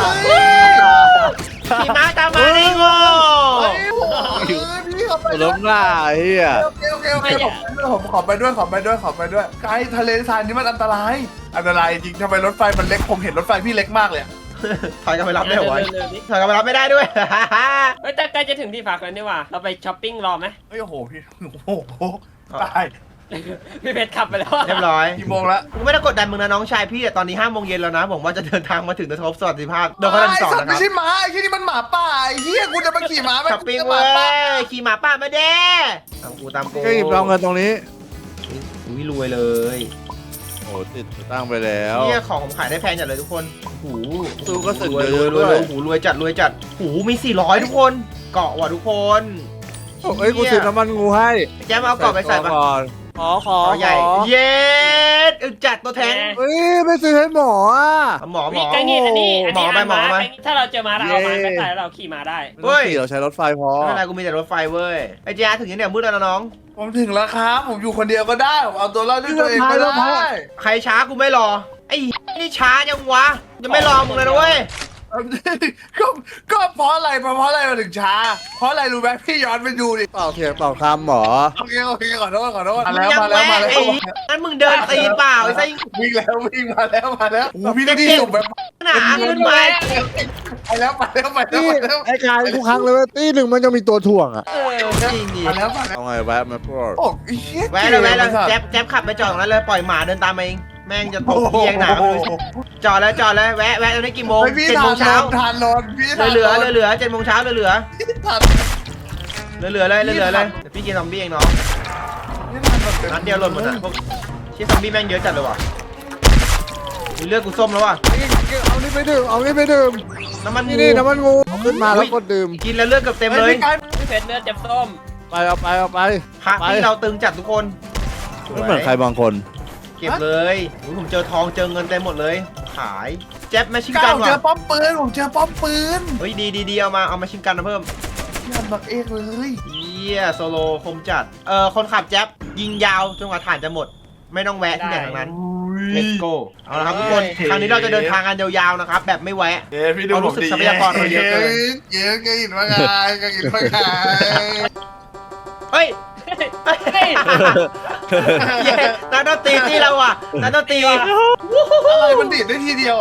Speaker 1: ขี่ม้าตามมาได้โง่
Speaker 2: เฮ้ยโอ้โหพี่เขาไป
Speaker 4: ล้มหน้าไอ้เหี้ย
Speaker 2: โอเคโอเคโอเคผมขอไปด้วยขอไปด้วยขอไปด้วยไกด์ทะเลทรายนี่มันอันตรายอันตรายจริงทำไมรถไฟมันเล็กผมเห็นรถไฟพี่เล็กมากเลย
Speaker 1: ถอยกันไปรับได้เหรอวะ
Speaker 3: เร็วๆดิ
Speaker 1: ถอยกันไปรับไม่ได้ด้วย
Speaker 3: เฮ้ยแต่ใกล้จะถึงที่พักแล้วนี่ว่ะเราไปช้อปปิ้งรอไหม
Speaker 2: เฮ้ยโอ้โหพี่โอ้โหตาย
Speaker 3: พี่เพชรขับไปแล้วอะ
Speaker 1: เรียบร้อย
Speaker 2: กี่โมงละ
Speaker 1: กูไม่ได้กดดันมึงนะน้องชายพี่แต่ตอนนี้ห้าโมงเย็นแล้วนะ ผมว่าจะเดินทางมาถึงทบสวัสดิภาพโดยเขาดันสอน
Speaker 2: ไสัต
Speaker 1: นะ
Speaker 2: ว์
Speaker 1: ค
Speaker 2: ไม่
Speaker 1: รับ
Speaker 2: ใช่ม้าไอ้ที่นี่มันหมาป่าไอ้เหี้ยกูจะไปขี่ม้าไหม
Speaker 1: ช้อปปิ้ง
Speaker 2: ห
Speaker 1: เว้
Speaker 2: มาย ป่า
Speaker 1: ขี่หมาป่ามาเด้ตามกูตามกู
Speaker 4: ก็หยิบเอาเงินตรงนี้
Speaker 1: อุ้ยรวยเลย
Speaker 4: โอ้ติดตั้งไปแล้ว
Speaker 1: เนี่ยของผมขายได้แพงจัดเลยทุกคนโอ้โห
Speaker 4: ตู้ก็สึก
Speaker 1: รวย
Speaker 4: เย
Speaker 1: รวยรวย
Speaker 4: อะด้วย
Speaker 1: โอ้โหรวยจัดรวยจัดโอ้โหมีสี่ร้อยทุกคน เกาะว่ะทุกคน
Speaker 4: เฮ้ยกูซื้อน้ำมันงูให้
Speaker 1: แจ๊มเอาเกาะไปใส่ปะ
Speaker 4: ก่อนขอขอ
Speaker 1: เกาะใหญ่
Speaker 4: ขอ
Speaker 1: เย็ดอึดจัดตัวแทง
Speaker 4: เฮ้ยไม่ซื้อให้หมออ่ะ
Speaker 1: หมอหม
Speaker 3: มี
Speaker 1: อ
Speaker 3: ไกงี้อันนี้อัน
Speaker 1: หมอ
Speaker 3: นี้
Speaker 1: ไปหมอไป
Speaker 3: ถ้าเราเจอมาเราเอามา
Speaker 4: เย้
Speaker 3: ไปใส่แล้วเราขี่มาได้
Speaker 4: ไม่ต้องขี่เราใช้รถไฟพอ
Speaker 1: ไม่เป็นไรกูมีแต่รถไฟเว้ยไอ้เจ๊ถึงยังเนี่ยมืดแล้วนะน้อง
Speaker 2: ผมถึงแล้วครับผมอยู่คนเดียวก็ได้ผมเอาตัวรอดด้วยตัวเองก็ได้
Speaker 1: ใครช้ากูไม่รอ ไอ้นี่ช้าจังวะจะไม่รอมึงเลยนะเว้ย
Speaker 2: ก็ก็เพราะอะไรเพราะอะไรมาถึงช้า เพราะอะไรรู้ไหมพี่ย้อนไปดูดิ
Speaker 4: เปล่าเถียงเปล่าคำหมอ
Speaker 2: โอเคโอเคขอโทษขอโทษ
Speaker 1: มึ
Speaker 2: มาง แล้ว
Speaker 1: ยัง
Speaker 2: มาแล้ว
Speaker 1: แวะ
Speaker 2: มาแล้ว
Speaker 1: ไอ้นั่นมึงเดินตีเปล่าไอ้ไส้
Speaker 2: วิ่งแล้ววิ่งมาแล้วมาแล้วโอ้พี่ได้ที่สุดแบบ
Speaker 1: หนาขึ้นไป
Speaker 2: ไปแล้วมาแล้วมาแล้ว
Speaker 4: นี่
Speaker 2: มาแล้ว
Speaker 4: ไอ้กายทุกครั้งเลยเว่าตีหนึ่งมันจะมีตัวถ่วงอ่ะ
Speaker 3: เออ
Speaker 1: จริงดิ
Speaker 2: มาแล้วมาแล้ว
Speaker 4: เอาไงแวะมาพูด
Speaker 2: โอ้ยเหี้ย
Speaker 1: แวะเลยแวะเลยแจ๊บแจ๊บขับไปจอดตรงนั้นเลยปล่อยหมาเดินตามมาเองแม่งจะตกเพียงหนาก็ไม่รู้จอดแล้วจอดแล้วแวะแวะตรงนี้กี่โมง
Speaker 2: เฮ้ยพี่
Speaker 1: เจ็ด
Speaker 2: ทา
Speaker 1: โม
Speaker 2: น
Speaker 1: งเช้า
Speaker 2: ทานรถพี่
Speaker 1: เหลือเหลือเหลือเจ็ดโมงเช้าเหลือเหลือ
Speaker 2: ทาน
Speaker 1: เหลือเหลือเลยเหลือเหลือเลยเดี๋ยวพี่กินซอมบี้เองเนาะนัดเดียวหล่นหมดอ่ะพวกเชี่ยซอมบี้แม่งเยอะจัดเลยว่ะมีเลือดกูส้มแล้วว่ะ
Speaker 4: เอานี่ไปดื่มเอานี่ไปดื่ม
Speaker 1: น้ำมัน
Speaker 4: นี่นี่น้ำมันงูเอาขึ้นมาแล้วกดดื่ม
Speaker 1: กินแล้วเลือดเกือบเต็มเลย
Speaker 3: พี่เพชรเลือดจับส้ม
Speaker 4: ไปเอาไปเอาไป
Speaker 1: พระที่เราตึงจัดทุกคน
Speaker 4: ไม่เหมือนใครบางคน
Speaker 1: เก็บเลยอุ๊ยผมเจอทองเจอเงินเต็มหมดเลย ขายแจ๊บแมชชิน
Speaker 2: ก้า
Speaker 1: กั
Speaker 2: วน เจอ
Speaker 1: ว่ะ
Speaker 2: ป้อมปืนผมเจอป้อมปืน
Speaker 1: เฮ้ยดีดีดีเอามาเอามาชินกันมาเพิ่ม
Speaker 2: พี่อันบักเอกเลย
Speaker 1: เยี่ยโซโลคมจัดเออคนขับแจ๊บยิงยาวจนกว่าฐานจะหมด ไม่ต้องแวะที่ไหนทั้งนั้น let's go เอาละครับทุกคนครั้งนี้เราจะเดินทางกันยาวๆนะครับแบบไม่แวะ
Speaker 2: เอ้พี่ดู
Speaker 1: เอารู้สึกทรัพยากรเราเยอะเกิน
Speaker 2: เยอะเกินว่าไงก็อินว่าไง
Speaker 1: เฮ้ยเฮ้ยเย้นักดนตรีที่เราอ่ะนักดนตรี
Speaker 2: อะไรมันดีดได้ทีเดียวเหรอ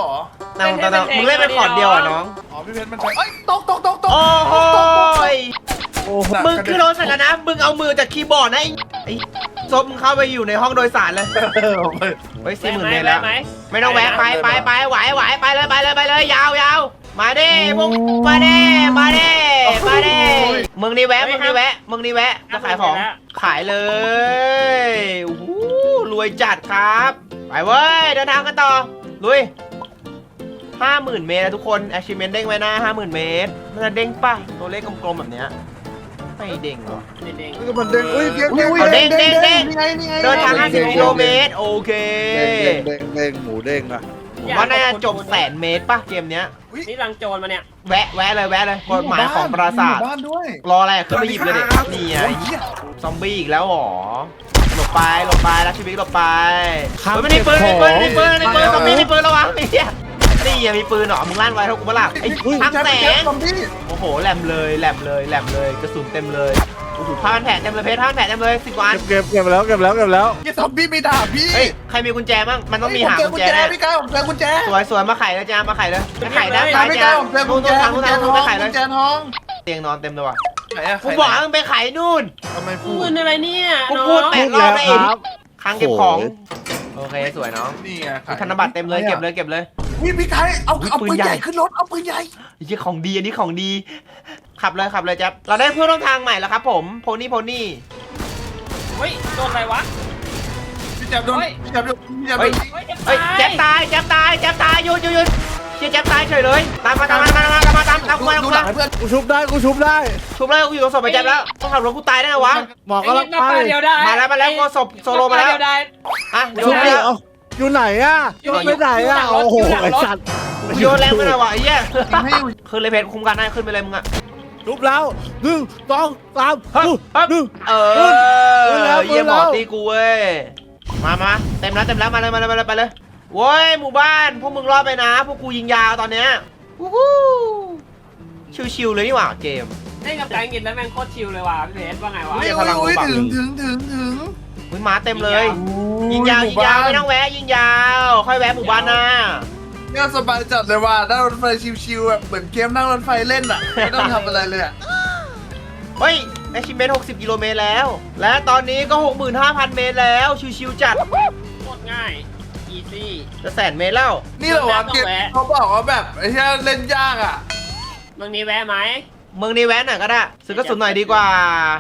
Speaker 1: น้องน้องมึงเล่นเป็นคอร์ดเดียวอ่ะน้อง
Speaker 2: อ๋อพี่เพชรมันใช้เอ้ยตกตกตกตก
Speaker 1: โอ้โหย
Speaker 4: โอ้โห
Speaker 1: มึงคือโรสกันนะ มึงเอามือจากคีย์บอร์ดนะไอ้ไอ้ซบมึงเข้าไปอยู่ในห้องโดยสารเลย
Speaker 2: เออไป
Speaker 1: เฮ้ยสี่หมื่นเมตรแล้ว
Speaker 3: ไหม
Speaker 1: ไม่ต้องแวะไปไปไปไหวไหวไปเลยไปเลยไปเลยยาวยาวมาดิพวกมาดิมาดิมาดิมึงนี่แวะมึงนี่แวะมึงนี่แวะจะขายของขายเลยโอ้โหรวยจัดครับไปเว้ยเดินทางกันต่อลุยห้าหมื่นเมตรนะทุกคน achievement เด้งไว้หน้าห้าหมื่นเมตรมันจะเด้งป่ะตัวเลขกลมๆแบบเนี้ยไม่เด้งหรอ
Speaker 3: เด้ง
Speaker 4: มันเด้งอุ้ยเด้ง
Speaker 2: อุ้ย
Speaker 4: เด้ง
Speaker 2: อุ้ย
Speaker 1: เด้งเด้ง
Speaker 2: นี่ไงนี่ไง
Speaker 1: เดินทางห้าสิบกิโลเมตรโอเค
Speaker 4: เด้งเด้งเด้งหมูเด้งอะ
Speaker 1: ผมว่าน่าจะจบแสนเมตรป่ะเกมเนี้ย
Speaker 3: นี่รังโจรมาเนี่ย
Speaker 1: แวะแวะเลยแวะเลยกฎหมายของปราสาท
Speaker 2: บ้านด้วย
Speaker 1: รออะไรขึ้นไปหยิบเลยเด็กนี่ไง
Speaker 2: โอ้ยเหี้ย
Speaker 1: ซอมบี้อีกแล้วหรอหลบไปหลบไปรักชีวิตหลบไปเฮ้ยไม่ได้ปืนไม่ได้ปืนไม่ได้ปืนไม่ได้ปืนซอมบี้มีปืนระวังไอ้เหี้ยนี่ยังมีปืนเหรอมึงลั่นไว้เท่ากูเปล่าไอ้
Speaker 2: อุ้ย
Speaker 1: ทั้งแส
Speaker 2: แจ๊
Speaker 1: ง
Speaker 2: บซอมบี้
Speaker 1: โอ้โหแหลมเลยแหลมเลยแหลมเลยกระสุนเต็มเลยโอ้โหผ้าพันแผลเต็มเลยเพชรผ้าพันแผลเต็มเลยสิบวัน
Speaker 4: เก็บเก็บแล้วเก็บแล้วเก็บแล้ว
Speaker 2: ยี่ซอมบี้มีดาบพี่
Speaker 1: เฮ้ยใครมีกุญแจบ้างมันต้องมีหา
Speaker 2: เจอ
Speaker 1: กุ
Speaker 2: กุ
Speaker 1: ญ
Speaker 2: ญ
Speaker 1: แจ
Speaker 2: แจ
Speaker 1: แน่
Speaker 2: พี่กายผมเจอกุญแจ
Speaker 1: สวยสวยมาไขเลยจ้ามาไขเลยมาไขด้านซ้าย
Speaker 2: พี่
Speaker 1: จ้าก
Speaker 2: ายผมเจอกุ
Speaker 1: นู่
Speaker 2: ญ
Speaker 1: น
Speaker 2: แจ
Speaker 1: นู่นทาง
Speaker 2: กุ
Speaker 1: นู่
Speaker 2: ญ
Speaker 1: น
Speaker 2: แจ
Speaker 1: ทาง
Speaker 2: ท
Speaker 1: นู่
Speaker 2: อน ง
Speaker 1: ไปไขเลย
Speaker 2: กุญแจทอง
Speaker 1: เตียงนอนเต็มเลยว่ะ
Speaker 2: ไหนอะ
Speaker 1: กูบอกให้มึงไปไขนู่น
Speaker 2: ทำไมพู
Speaker 3: ปื
Speaker 2: ด
Speaker 3: นอะไรเนี่ย
Speaker 1: กู
Speaker 3: น้อง
Speaker 1: พูดแปดรอบแล้วเอง
Speaker 4: ครับ
Speaker 1: ครั้งเก็บของโอเคสวยน้อง
Speaker 2: นี่ไง
Speaker 1: มีธนบัตรเต็มเลยเก็บเลยเก็บเลย
Speaker 2: นี่พี่กายเอา
Speaker 1: อุ๊ย
Speaker 2: เอา
Speaker 1: ปื
Speaker 2: ปื
Speaker 1: น
Speaker 2: น
Speaker 1: ใหญ่
Speaker 2: ใหญ่ขึ้นรถเอาปืนใหญ่
Speaker 1: ไอ้เหี้ยของดีอันนี้ของดี ขับเลยขับเลยแจ๊บเราได้เพื่อนร่วมทางใหม่แล้วครับผมโพนี่โพนี่
Speaker 3: เฮ้ยโดนอะไรวะ
Speaker 2: พี่แจ๊บโดน
Speaker 3: เฮ้ย
Speaker 2: พี่แจ๊บโดนพี่แจ๊บโดน
Speaker 3: เฮ้ย
Speaker 1: เฮ้ยแจ๊บตายแจ๊บตายแจ๊บตายหยุดหยุดหยุดเชี่ยแจ๊บตายเฉยเลยตามมาตามมาตามมาตามมาตามตามกูมาตาม
Speaker 2: ดู
Speaker 1: กู
Speaker 2: หลั
Speaker 1: มาง
Speaker 2: ให้เพื่อน
Speaker 4: กูชุบได้กูชุบได้
Speaker 1: ชุบเลยกูอยู่ตรงศพไปแจ๊บแล้วต้องขับรถกูตายได้ไงวะ
Speaker 4: หมอกำลัง
Speaker 3: นับ
Speaker 4: ไป
Speaker 3: ปลาเดียวได้
Speaker 1: มาแล้วมาแล้วกูศพโซโลมาแล้ว
Speaker 3: นับปเดียได้
Speaker 1: อ่ะโย
Speaker 4: ชุบ
Speaker 1: น
Speaker 4: ได้
Speaker 1: แล้ว
Speaker 4: เอาอยู่ไหนอะอยู่ไปไหนอะโอ้โหไอ้สัตว์
Speaker 1: โยนแรงไปหน่อยวะไอ้เหี้ย
Speaker 2: ให้อยู่
Speaker 1: ขึ้นเลยเพจคุมกันได้ขึ้นไปเลยมึงอะ
Speaker 4: ชุบแล้วหนึ่งสองสาม
Speaker 1: ฮึบฮึบ
Speaker 4: หนึ่ง
Speaker 1: เอ
Speaker 4: ขึ้นแล้ว
Speaker 1: อเยี่ยมหมอ
Speaker 4: ขึ้นแล้ว
Speaker 1: ตีกูเว้ยมามาเต็มแล้วเต็มแล้วมาเลยมาเลยมาเลยไปเลยโว้ยหมู่บ้านพวกมึงรอดไปนะพวกกูยิงยาวตอนเนี้ยวู้ฮู้ชิวๆเลยนี่หว่าเกม
Speaker 3: เล่นกับแตงกินแล้วแม่งโคตรชิลเลยว่ะพี่เพชรว่าไงวะ
Speaker 1: อุ๊
Speaker 2: อุ้
Speaker 1: ย
Speaker 2: ย
Speaker 1: พลัง
Speaker 2: อุ้ย
Speaker 1: บัง
Speaker 2: ถึงถึงถึงถึง
Speaker 1: อุ้ยหมาเต็มเลย ยิงยาวยิงยาวไม่ต้องแวะยิงยาวค่อยแวะหมู่บ้านหน้า
Speaker 2: เนี่ยสบายจัดเลยว่ะนั่งรถไฟชิวๆแบบเหมือนเกมนั่งรถไฟเล่นอ่ะไม่ต้องทำอะไรเลยอ่ะ
Speaker 1: เฮ้ยแอชิเมนต์หกสิบกิโลเมตรแล้ว และตอนนี้ก็ หกหมื่นห้าพัน เมตรแล้วชิวๆจัด
Speaker 3: โคตรง่ายอีซี่
Speaker 1: จะแสนเมตรแล้ว
Speaker 2: นี่เหรอวะเกมเขาบอกว่าแบบไอ้ที่เล่นยากอ่ะ
Speaker 3: มึงมีแวะไหม
Speaker 1: เมืองนี้แวะหน่อยก็ได้ซื้อกระสุนหน่อยดีกว่าร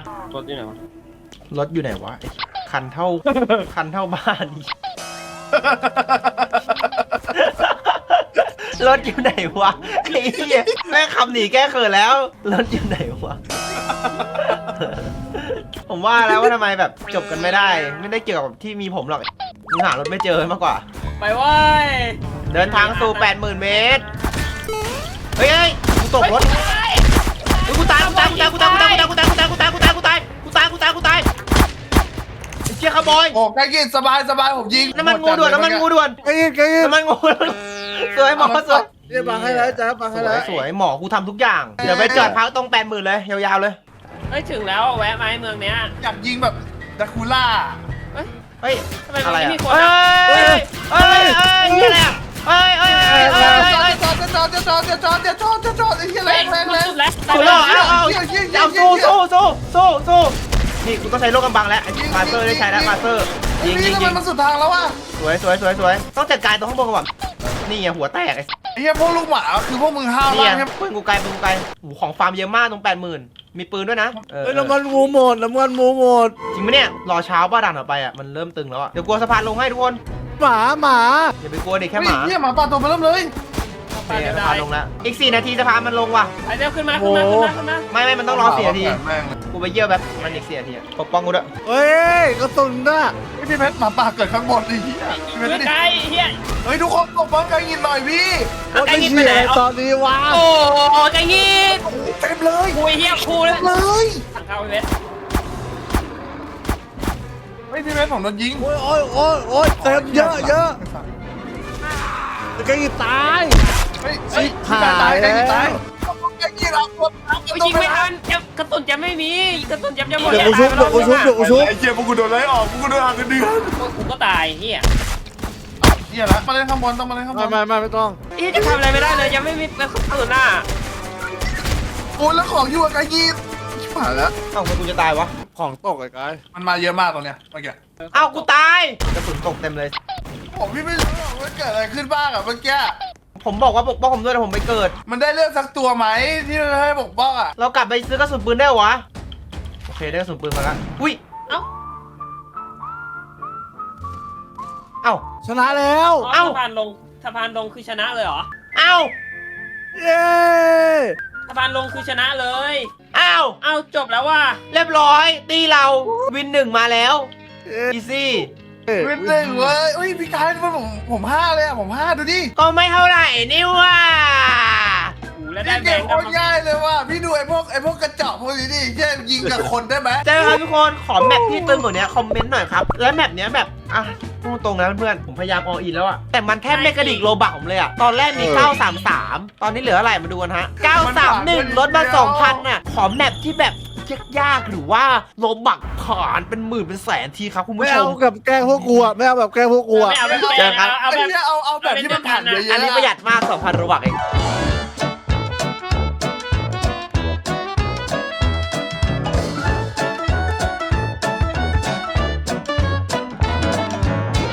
Speaker 3: ถอยู่ไหนวะ
Speaker 1: รถอยู่ไหนวะไอ้คันเท่า คันเท่าบ้านอีกรถอยู่ไหนวะไอ้เหี้ยแม่งขับหนีแก้เขินแล้วรถอยู่ไหนวะ ผมว่าแล้วว่าทำไมแบบจบกันไม่ได้ ไม่ได้เกี่ยวกับที่มีผมหรอกมึงหารถไม่เจอมากกว่า
Speaker 3: ไปเว้ย
Speaker 1: เดินทางสู่ แปดหมื่น เมตร เฮ้ยเฮ้ยกูตกรถเฮ้ยกูตายกูตายกูตายกูตายกูตายกูตายกูตายกูตายกูตายกูตายกูตายกูตายกูตายไอ้เชี่ยขบอย
Speaker 2: โอ้ใกล้กินสบายสบายผมยิง
Speaker 1: น้ำมันงูด่วนน้ำมันงูด่วน
Speaker 4: ไอ้ยิงไอ้ยิง
Speaker 1: น้ำมันงูสวยหมอสวย
Speaker 4: เรียบบังให้แล้วจ้าบัง
Speaker 1: ส
Speaker 4: ให้
Speaker 1: ว
Speaker 4: แล้
Speaker 1: ยว สวยหมอกูทำทุกอย่าง เดี๋ยวไปจอดพักตรง แปดหมื่น เลยยาวๆเลย
Speaker 3: เฮ้ยถึงแล้วแวะไหมเมืองเนี้ย
Speaker 2: อยากยิงแบบดาคูล่า
Speaker 3: เฮ้ย
Speaker 1: เฮ้ย
Speaker 3: ทำไม
Speaker 1: อะไร
Speaker 3: มันไม่
Speaker 1: อ่ะ
Speaker 3: มีคน
Speaker 1: เฮ้
Speaker 3: อ่ะ
Speaker 1: ยเฮ้ยเฮ้ยนี่อะไรอ่ะเฮ้ยเฮ้ยเฮ้ยเฮ้ยเฮ้ย
Speaker 2: จะจอดจะจอดจะจอดจะจอดจะจอดจะจอดไอ้เหี้ยแรงแรงแรง
Speaker 3: สุดแล้ว
Speaker 1: สู้แล้วเอาเอาเอาสู้สู้สู้สู้สู้นี่กูต้องใช้โลกกำบังแล้วไอ้มาสเตอร์ได้ใช้แล้วมาสเตอร์ยิงยิง
Speaker 2: ทำ
Speaker 1: ยิ
Speaker 2: ไม
Speaker 1: ง
Speaker 2: มันสุดทางแล้ววะ
Speaker 1: สวยสวยสวยสวยต้องจัดการตรงข้างบนก่อนนี่ไงหัวแตกไอ้
Speaker 2: ไอ้เหี้ยพวกลูกหมาคือพวกมึงห้าว
Speaker 1: นี่
Speaker 2: มาก
Speaker 1: ไง
Speaker 2: ใช่
Speaker 1: ปืนกูไกลปืนกูไกลโอ้โหของฟาร์มเยอะมากตรงแปดหมื่นมีปืนด้วยนะเออ
Speaker 4: เฮ้ยน้ำมันหมูหมดน้ำมันหมูหมด
Speaker 1: จริงไหมเนี่ยรอเช้าป้าดันออกไปอ่ะมันเริ่มตึงแล้วอ่ะเดี๋ยวกลัวสะพานลงให้ทุกคน
Speaker 4: หมาหมา
Speaker 1: อย่าไปกลัวเด็ก
Speaker 2: แค่
Speaker 1: แค่หมา
Speaker 2: เหี้ยหมาป่าตัวมาเริ่มเลย
Speaker 3: ไป
Speaker 1: นี่
Speaker 3: เดี๋ยว
Speaker 1: สะ
Speaker 3: ได้
Speaker 1: พานลงแล้วอีกสี่นาทีสะพานมันลงว่ะ
Speaker 3: ไปเร็วขึ้นมาขึ้นมาขึ้นมาขึ้นมา
Speaker 1: ไม่ไม่มันต้องรอสี่นาที
Speaker 2: แม่ง
Speaker 1: กูไปเยี่ยวแบบมันอีกสี่นาทีอะปกป้องกูด้วย
Speaker 4: เฮ้ยกระสุนน่ะ
Speaker 2: ไม่พี่เพชรหมาป่าเกิดข้างบนดิเหี้ยพี่เพชร
Speaker 3: ช่วย
Speaker 2: ดิ
Speaker 3: ไกลเฮีย
Speaker 2: เฮ้ยทุกคนตบบ้องไกลยินหน่อยพี่
Speaker 4: โอ้ยเชี่ยตอนนี้วะ
Speaker 3: โอ้ใจงี้
Speaker 2: เต็มเลย
Speaker 3: คุยเฮียคูเลย
Speaker 2: เลย
Speaker 3: ทางเข้าไปเวท
Speaker 2: เฮ้ยพี่เพชรผมโดนยิง
Speaker 4: โอ้ยโอ้ยโอ้ยโอ้ยเต็มเยอะเยอะไอ้ยิงตาย
Speaker 2: เฮ้ยเฮ้ยพี่ตายตายไกลยิงตายไกลยิงเอาตัว
Speaker 3: ไปยิงไม่ทันจะกระสุนจะไม่มีกระสุนจะจะหมด
Speaker 4: เดี๋ยวกูชุบเดี๋ยวกูชุบเดี๋ยวกูชุบ
Speaker 2: ไอ้เจี๊ยพวกกูโดนไล่ออกพวกกูโดนหักเงินเดือน
Speaker 3: กูก็ตายเฮีย
Speaker 2: เหี้ยละมาเล่นข้างบนต้องมาเล่นข้างบ
Speaker 4: ไม่
Speaker 2: น
Speaker 4: ไม่ไม่ไม่ต้อง
Speaker 3: อีจะทำอะไรไม่ได้เลยยังไม่มีกระสุนหน้า
Speaker 2: โอ้ยแล้วของอยู่กับกายีชิบหายแล้ว
Speaker 1: เอ้าทำไมกูจะตายวะ
Speaker 4: ของตกไอ้กาย
Speaker 2: มันมาเยอะมากตรงเนี้ยเมื่อกี้
Speaker 1: เอ้ากูตายกระสุนตกเต็มเลย
Speaker 2: ผมพี่ไม่รู้หรอกว่าเกิดอะไรขึ้นบ้างอะเมื่อกี้
Speaker 1: ผมบอกว่าปกป้องผมด้วยแต่ผมไปเกิด
Speaker 2: มันได้เลือกสักตัวไหมที่จะให้ปกป้องอะ
Speaker 1: เรากลับไปซื้อกระสุนปืนได้เหรอวะ โอเคได้กระสุนปืนมาแล้วอุ้ย
Speaker 3: เอ้า
Speaker 1: เอ้า
Speaker 4: ชนะแล้ว
Speaker 3: อ๋อ
Speaker 1: เอ้า
Speaker 3: สะพานลงสะพานลงคือชนะเลยเหรอ
Speaker 1: เอ้า
Speaker 4: เย้
Speaker 3: สะพานลงคือชนะเลย
Speaker 1: เอ้า
Speaker 3: เอ้าจบแล้วว่ะ
Speaker 1: เรียบร้อยตีเราวินหนึ่งมาแล้วอีซี่
Speaker 2: วินหนึ่งเว้ยอุ้ยพี่กายมันผมผมห้าเลยอะผมห้าดูดิ
Speaker 1: ก็ไม่เท่าไหร่นี่ว่า
Speaker 3: โอ้แล้วได้
Speaker 2: พี่
Speaker 3: แบ
Speaker 2: เก่
Speaker 3: ง
Speaker 2: ง
Speaker 3: ค์
Speaker 2: โค
Speaker 3: กลับ
Speaker 2: ตร
Speaker 3: มา
Speaker 2: ง่ายเลยว่ะพี่ดูไอ้พวกไอ้พวกกระจอกพวกนี้ดิเช่นยิงกับคนได้ไหม
Speaker 1: เจอครับทุกคนขอแมปที่ตึงกว่านี้คอมเมนต์หน่อยครับ แล้วแมปเนี้ยแบบอ่ะพูดตรงนะเพื่อนผมพยายามออินแล้วอะแต่มันแทบไม่กระดิกโลบักผมเลยอะตอนแรกมี เก้าสามสาม ตอนนี้เหลืออะไรมาดูกันฮะ เก้าสามหนึ่ง ลดมา สองพัน น่ะ ขอแมปที่แบบยากๆหรือว่าโลบักผ่านเป็นหมื่นเป็นแสนทีครับคุณ
Speaker 4: ไม่
Speaker 1: ผู้ช
Speaker 4: เอา
Speaker 1: ม
Speaker 4: กับแกล้งพวกกูอะไม่เอาแบบแกล้งพวกกูอะ
Speaker 3: ไม่เอาแบบ
Speaker 1: เจอกัน
Speaker 3: เอา
Speaker 2: ไอ้
Speaker 3: แบบ
Speaker 2: เนี่ยเอาเอาแบบที่มันผ่านเยอะๆ
Speaker 1: อันนี้ประหยัดมาก สองพัน โลบักเอง